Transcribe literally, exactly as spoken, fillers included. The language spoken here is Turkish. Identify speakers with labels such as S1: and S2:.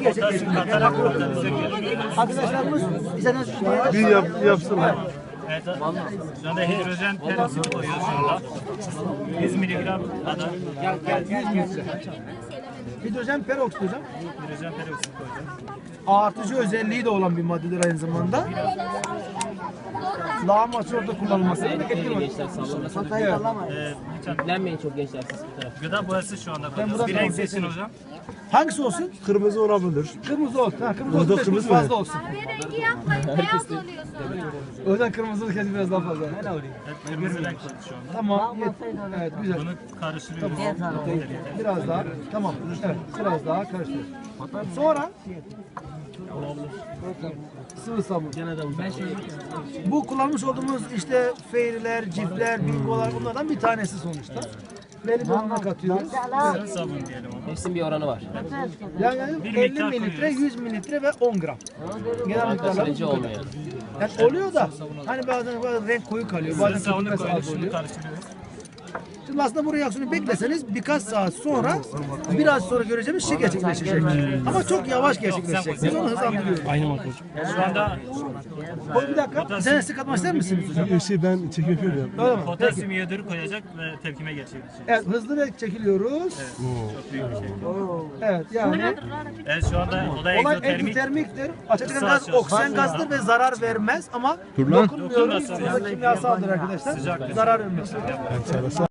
S1: gerçekleştiriyor. Arkadaşlarımız izlediğiniz için
S2: Bir yap, yapsınlar.
S3: Evet, şu anda hidrojen peroksidi koyuyoruz şu anda. yüz miligram kadar
S1: hidrojen peroksit hocam.
S3: hidrojen peroksidi koyacağız.
S1: Artıcı özelliği de olan bir maddedir aynı zamanda. Lağım açıorda kullanılması etkili mi?
S4: Gençler sallamasın.
S1: Evet.
S3: Ee, lütfen
S4: Dinlenmeyin çok gençler siz bu tarafa.
S3: gıda boyası şu anda
S1: buradan
S3: koyuyoruz. Bir renk
S1: devam
S3: seçin hocam.
S1: Hangisi olsun?
S2: Kırmızı olabilir.
S1: Kırmızı olsun. Ha, kırmızı
S2: Burada
S1: olsun.
S2: kırmızı
S1: Kırmızı
S2: mı?
S1: fazla olsun.
S5: Kahverengi yapmayın, beyaz oluyor sonra.
S1: O yüzden kırmızılık kesin biraz daha fazla.
S3: Evet, kırmızı renk koyduk şu anda.
S1: Tamam. yet- Evet güzel.
S3: Bunu karıştırıyoruz.
S1: Biraz daha. Tamam. Evet. Biraz daha karıştır. Sonra sıvı sabun. Bu kullanmış olduğumuz işte feyriler, cifler, bingolar bunlardan bir tanesi sonuçta. Belli bir oranına katıyoruz.
S3: Sıvı sabun diyelim ona.
S4: Hepsinin bir oranı var.
S1: Yani, yani
S3: Bir
S1: elli
S3: miktar
S1: mililitre,
S3: koyuyoruz.
S1: yüz mililitre ve on gram. Genel miktarları
S4: Kaçırıcı
S1: bu kadar.
S4: olmayan.
S1: Yani oluyor da hani bazen, bazen renk koyu kalıyor,
S3: Sıvı
S1: bazen
S3: sabunu
S1: çok az
S3: koyduk, şunu
S1: oluyor.
S3: karıştırıyoruz.
S1: Şimdi aslında bu reaksiyonu bekleseniz birkaç saat sonra biraz sonra göreceğimiz şey gerçekleşecek. Ama çok yavaş gerçekleşecek. Biz onu hızlandırıyoruz.
S3: Şu anda
S1: O bir dakika. Sen sık atmak ister misiniz hocam?
S2: Şey ben çekim yapıyorum ya.
S1: Öyle mi? Peki.
S3: potasyum iyodürü koyacak ve tepkime geçirecek.
S1: Evet hızlı ve çekiliyoruz.
S3: Çok büyük bir şey.
S1: Evet yani
S3: Evet, şu anda o da
S1: olay
S3: egzotermik.
S1: egzotermiktir. Açıkçası
S3: Isı
S1: gaz
S3: açıyoruz.
S1: oksijen gazdır ve zarar vermez ama
S2: Dur lan.
S1: dokunmuyoruz. Bu da kimyasaldır arkadaşlar. Zarar vermez.